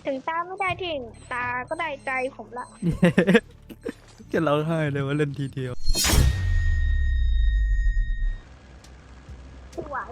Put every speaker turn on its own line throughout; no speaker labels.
ถึงตาไม่ได้ที่ตาก็ได้ใจผมละ
จะร้องไห้เลยว่าเล่นทีเดียว
สวย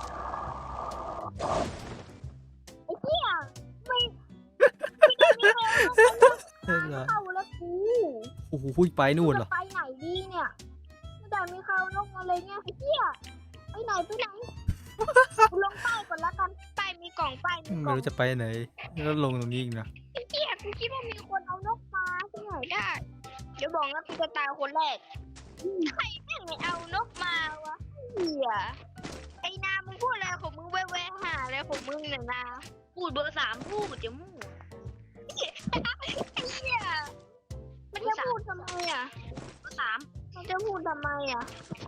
ไอ้เหี้ยไม่ได้มีใครเอาเข้าแล้วกู
โอ้โหพูดไปนู่นเหรอ
จะไปไหนดีเนี่ยไม่ได้มีใครเอานกมาเลยเนี่ยไอ้เหี้ยไปไหนกูลงใต้ก่อนละกันใต้มีกล่องใต้มีก
ไม่
ล่อง
รู้จะไปไหนแล้วลงตรงนี้อีกนะ
ไอ้เหี้ยกูคิดว่ามีคนเอานกมาที่ไหนได้เดี๋ยวบอกนะกูจะตายคนแรกใครแม่งไม่เอานกมาวะเหี้ยไอ้นามึงพูดอะไรของมึงแว่ๆหาอะไรของมึงเนี่ยนา
พูดเบอร์3พูดจะมั่ว
ไอ้เหี้ยมันจะพูดทำไมอ่ะ
เบอร์3
มันจะพูดทำไมอ่ะ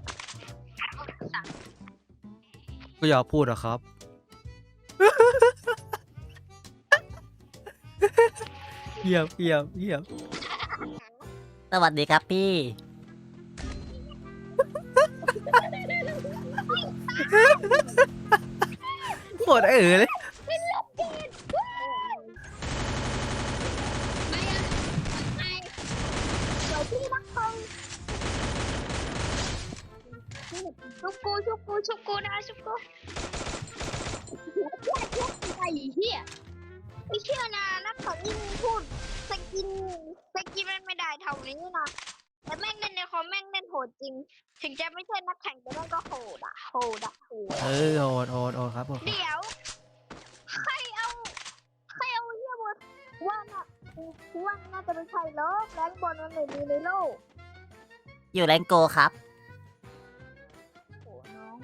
ก็อยากพูดอะครับ เงียบ
สวัสดีครับพี่
ปวดเลย
ไม่อะไอเดี๋ยวพี่รักเขาชุบกูนะชุบกูไอ้เหี้ยไม่เชื่อนะนักข่าวยิ่งพูดสกินมันไม่ได้เท่านี้นะแต่แม่งเล่นในคอมแม่งเล่นโหดจริง ถึงจะไม่ใช่นักแข่งแต่แม่งก็โหดอะโหด
โหดครับผม
เดี๋ยวใครเอาเฮียบนว่าน่าจะเป็นใครหรอกแรงบอลมันไม่มีในโลก
อยู่แรงโกครับ
โอ้น้อง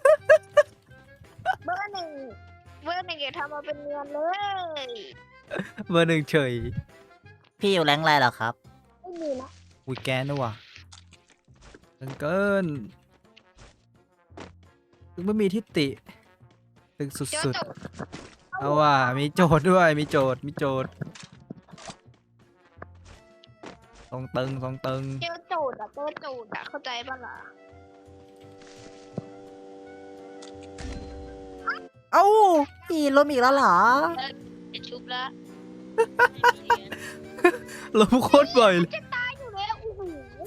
เบอร์หนึ่งอย่าทำมาเป็นเนียนเลย
เบอร์หนึ่งเฉย
พี่อยู่แรงอะไรเหรอครับ
ไม่มีนะ
อุ้ยแกนนะว่ะเกินถึงไม่มีทิฏฐิตึงสุ
เจ้า
ด
จบ
ๆเอาว่ะมีโจทย์ด้วยมีโจทย์ตรงตึง
เจ้าโจดอะเข้าใจปะล่ะ
เอ้าพี่ล้มอีกแล้วเหรอ
จะชุบแล้ว
ล้มโคตรบ่อยเลย
จะตายอยู่แล้วโอ้โห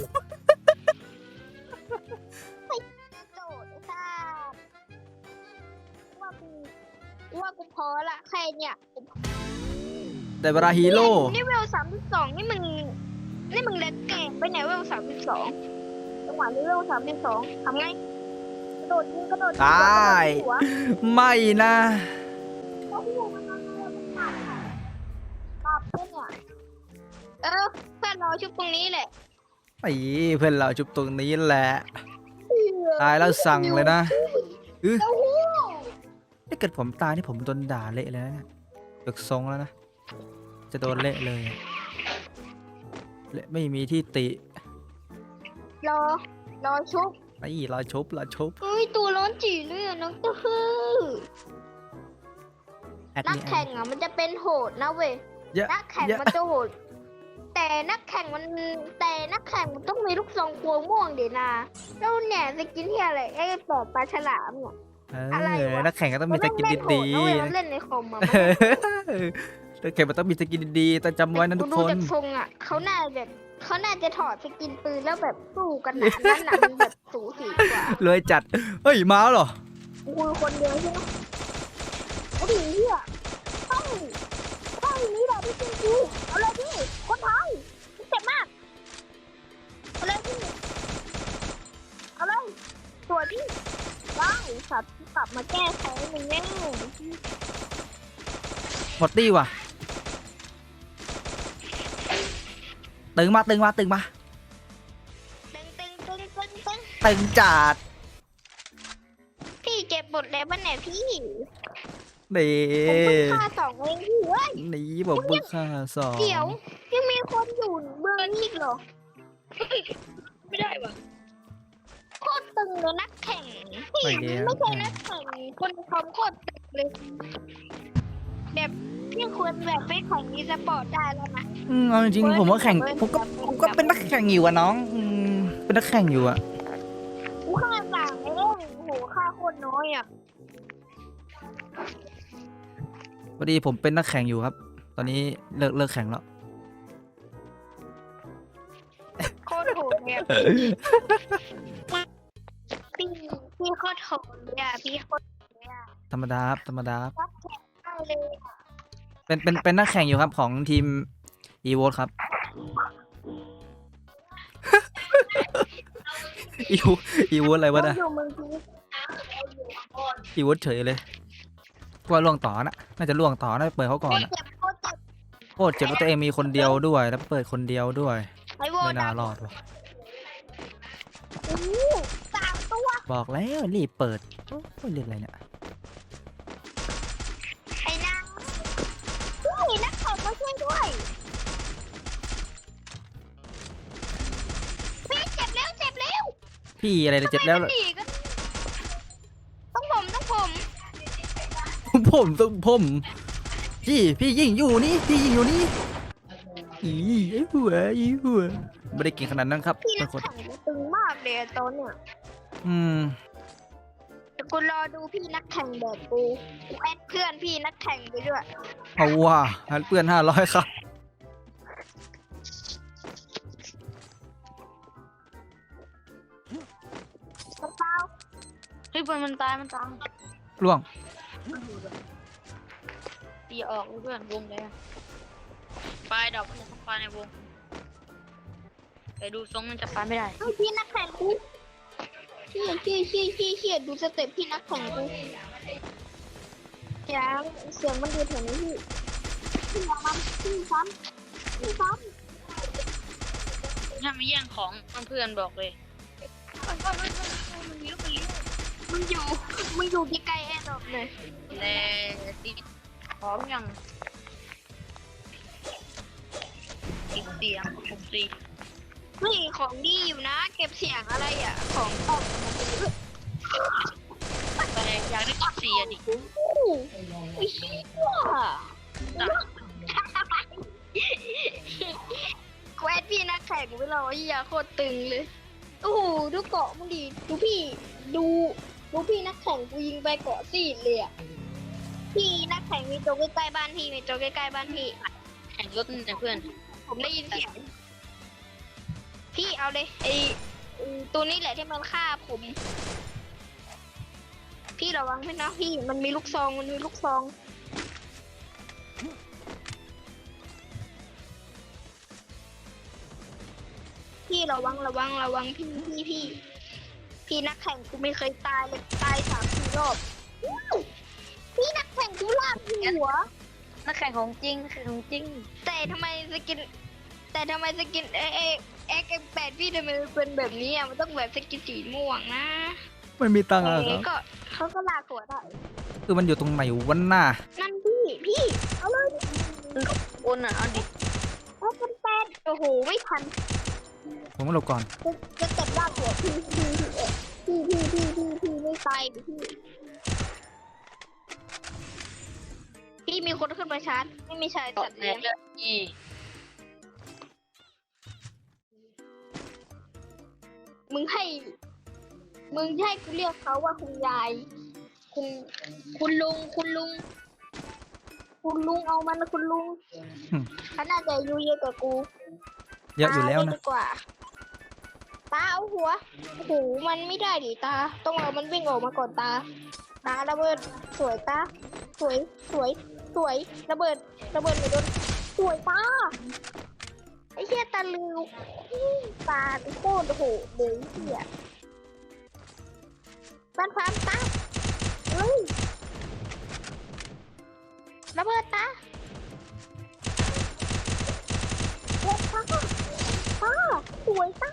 โจดไอ้สัสว่ากูพอละแค่เนี่ย
แต่เวลาฮีโร่
นี่เวล32นี่มึงเล่นเก่งไปไหนเวล32จังหวะนี้เวล32ทำไงกระโดดยิง
ตาย
หัว
ไม่นะ
โอ้โหมันปรับเนี่ยเพื่อนเราชุบตรงนี้แหละ
ไอ้เพื่อนเราจุบตรงนี้แหละ ตายแล้วสั่งเลยนะ
โอ้โห
ถ้าเกิดผมตายนี่ผมโดนด่าเละเลยนะเนี่ยเลิกทรงแล้วนะ จะโดนเละเลยอะเละไม่มีที่ติ
รอชุบ
ไอ้เราชบ
เฮ้ยตัวร้อนจีเลยอะน้องตัวฮือ
แอด
นัก
นี่
แข่งอะมันจะเป็นโหดนะเว้ย
เยอะ
นักแข่งมันจะโหด แต่นักแข่งมันต้องมีลูกซองกลัวม่วงเดี๋ยวนะแล้วเนี่ยสกินที่อะไรไอ้ปอบปลาฉลามเนี่ย อะไรวะ
นักแข่งก็ต้องมีสกินดี
ๆเล่นในคอมอะ
ๆนักแข่งมันต้องมีสกินดีๆแต่จำไว้นะทุก
ดู
คน
จากทรงอะเขาน่าจะถอดสกินปืนแล้วแบบสู้กันนะนั่นน่ะมันแบบสูสีกว่า
เลยจัด เฮ้ย มาแล้วเหรอ
กูคนเดียวใช่ไหมโอ้โหเฮียใช่นี่แหละพี่จริงกูเอาเลยพี่คนไทยเจ็บมากเอาเลยพี่เอาเลยสวยพี่ได้สัตว์กลับมาแก้แค้นมึงแน่
หมดตี้ว่ะ ตึงมา
ตึง
ตึงจัด
พี่เก็บหมดแล้วบ้านไหนพี่
นี่
ผมเพิ่งฆ่า2เองพี่เว้ย
นี่ผมเพิ่งฆ่าสอง
เดี๋ยวยังมีคนอยู่เบื้องนี้อีกเหรอ
ไม่ได้ว่ะ
โคตรตึงเลยนักแข่งพี่ไม่ใช่นักแข่งคนทำโคตรตึงเลยแบบพี่ควรแบบไปแข่งอีสปอร์ตได้แล้วนะ
เอาจริงๆผมก็แข่ง ผมก็เป็นนักแข่งอยู่อะน้องเป็นนักแข่งอยู่อะ
กูฆ่าต่างเองโอ้โหฆ่าโคตรน้อยอ่ะ
พอดีผมเป็นนักแข่งอยู่ครับตอนนี้เลิกแข่งแล้ว
โคตรโหดเลยอะพี่โคตรโหดเลยอะพี่โคตรโหดเลยอะ
ธรรมดาครับธรรมดาครับ
รักแข่งมากเลยอะ
เป็นนักแข่งอยู่ครับของทีม e v o ครับ e v o อะไรวะ
เรา
นะ
อยู่เมืองพีช
e v o เฉยเลยกว่าล่วงต่อนะน่าจะล่วงต่อน่าจะเปิดเขาก่อนอะ
เจ็บโคตรเจ็บ
โคตรเจ็บว่าตัวเองมีคนเดียวด้วย แล้วเปิดคนเดียวด้วย
ไอ้โว
ไม่
ด
น่ารอดว่ะ
สามตัว
บอกแล้วรีบเปิดโอ้ยเรื่องอะไรเนี่ย
ไอ้นางพี่นักแข่งมาช่วยด้วยพี่เจ็บแล้วเจ็บแล้ว
พี่อะไรเลยเจ็บแล้ว
ทำไมมันหนีกันต้องผม
ผมพี่ยิงอยู่นี่พี่ยิงอยู่นี่ไอ้หัวไม่ได้เก่งขนาดนั้นครับ
พี่นั
บาก งคน
แข่งมันตึงมากเลยอะตอนเนี่ย
อืม
แต่กูรอดูพี่นักแข่งแบบกูแอดเพื่อนพี่นักแข่งไปด้วย
เอาว่าหันเพื่อน500ครับ
กระเป๋า
เฮ้ยมันตาย
ล่วง
ตีออกเพื่อนวงเลยปลายดอกมันจะปลายในวงแต่ดูทรงมันจะปลายไม่ได้
เฮ้ยพี่นักแข่งกูเชี่ยดูสเต็ปพี่นักแข่งกูยังเสียงมันอยู่แถวนี้พี่อย่ามันพี่ซ้ำ
ถ้าไม่แย่งของเพื่อนบอกเลยมันอยู่ที่ใกล้แอร์ดรอปเลยแต่ติดพร้อมยังติดเสียง64
เฮ้ยของดีอยู่นะ เก็บเสียงอะไรอ่ะ ของตก
แต่อยากได้14อ่ะดิ
ไอ้เหี้ยแควดพี่นักแข่งไปรอที่ยาโคตรตึงเลย โอ้โหดูเกาะมึงดิดูพี่นักแข่งกูยิงไปเกาะซีดเลยอ่ะพี่นักแข่งมีตัวใกล้ๆบ้านพี่มีตัวใกล้ๆบ้านพี่
แข่งรถแต่เพื่อน
ผมได้ยินเสียง พี่เอาเลยไอ้ตัวนี้แหละที่มันฆ่าผม พี่ระวังด้วยนะพี่มันมีลูกซองพี่ระวังพี่นักแข่งกูไม่เคยตายเลยตาย3-4 รอบอู้พี่นักแข่งกูลากหัว
นักแข่งของจริง
แต่ทำไมสกินเอ็ก8พี่ทำไมมันเป็นแบบนี้อ่ะมันต้องแบบสกินสีม่วงนะ
ไม่มีตังค์อะค
เอ๊ะ
รับ
ก็เขาก็ลากหัวได้
คือมันอยู่ตรงไหนวันหน้า
นั่นพี่เอาเลย
โอนอ่ะเอาดิ
เอาเป็นแปดโอ้โหไม่ทัน
ผมมาหลบก่อน
จะเต็มลากหัวพี่ไม่ตายพี่มีคนขึ้นมาชาร์จไม่มีชาย
เกาะ
สัตว์
แต
เลี้ย
ก
ง
เลยอี
มึงให้กูเรียกเขาว่าคุณยายคุณลุงเอามันนะคุณลุง
อืม
เขาน่าจะอายุเยอะกว่ากู
เยอะอยู่แล้ว
ตา
นะ
ดีกว่าตาเอาหัวโอ้โหมันไม่ได้ดิตาต้องเอามันวิ่งออกมาก่อนตาระเบิดสวยตาสวยระเบิดไม่โดนสวยตาไอ้เหี้ยตาลือตาโคตรโหดเลยเหี้ยบ้านฟ้ามตาเฮ้ยระเบิดตาเฮ้ยตาสวยตา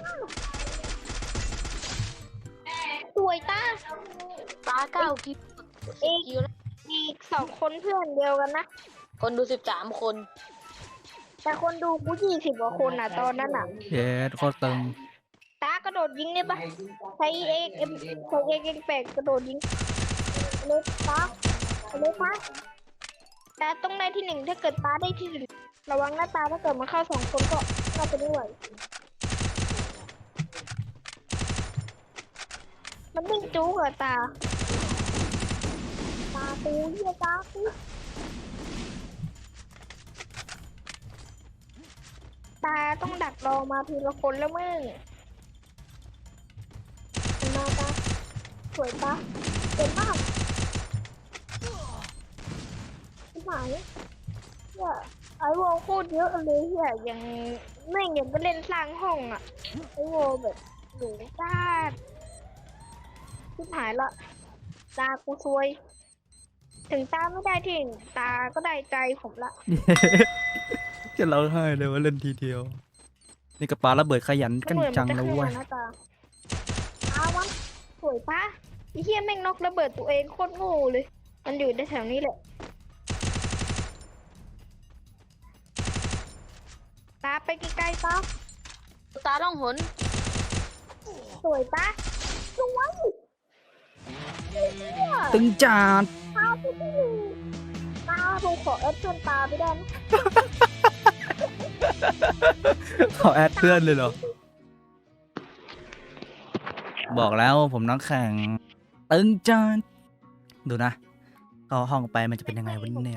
ตาเก้าคิด
อีก2 คนเพื่อนเดียวกันนะ
คนดู13 คน
แต่คนดูกู20 กว่าคนอ่ะตอนนั้นอ่ะ
เย็ดโคตรตึง
ตากระโดดยิงได้ปะใช้เอ็กแปดกระโดดยิงเลยตาตาต้องได้ที่ 1ถ้าเกิดตาได้ที่ 1ระวังหน้าตาถ้าเกิดมาเข้า2 คนก็เข้าไปด้วยมันวิ่งจู๊กเหรอตาตูเหี้ยตาตูตาต้องดักรอมาทีละคนแล้วมึงมาตาสวยปะเก่งมากที่หมายเนี่ยไอโวโคตรเยอะเลยเฮียยังแม่งยังไปเล่นสร้างห้องอ่ะไอโวแบบหนูจ้าที่หายละตากูซวย ถึงตาไม่ได้ที่หนึ่งตาก็ได้ใจผมละ
จะร้องไห้เลยว่าเล่นทีเดียว นี่กับปลาระเบิดขยันกันจังนะเว้ย
นะตาเอาวะสวยปะไอ้เหี้ยแม่งนกระเบิดตัวเองโคตรโง่เลย มันอยู่ในแถวนี้แหละ ตาไปไกลๆตา
ตาล่องหน
สวยปะสวยไอ้เหี้ย
ตึงจาน
ตาที่หนึ่งตาผมขอแอดเพื่อนตาไปได้ไหม
ขอแอดเพื่อนเลยเหรอ บอกแล้วผมน้องแข่งตึงจานดูนะเข้าห้องไปมันจะเป็นยังไงวันนี้เนี่ย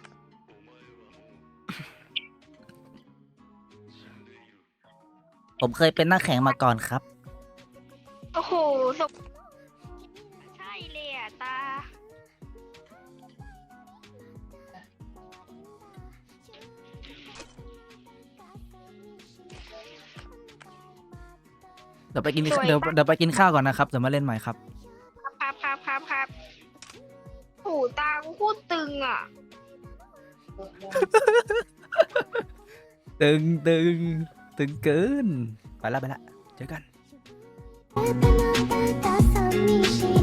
ผมเคยเป็นนักแข่งมาก่อนครับ
โอ้โหสกใช่เลยอ่ะตา
เดี๋ยวไปกิน
สวยปะ
เดี๋ยวไปกินข้าวก่อนนะครับเดี๋ยวมาเล่นใหม่ครับ
ครับโอ้โหตากูโคตรตึงอ่ะ
ตึงเกิน ไปละเจอกัน
あなたの寂しい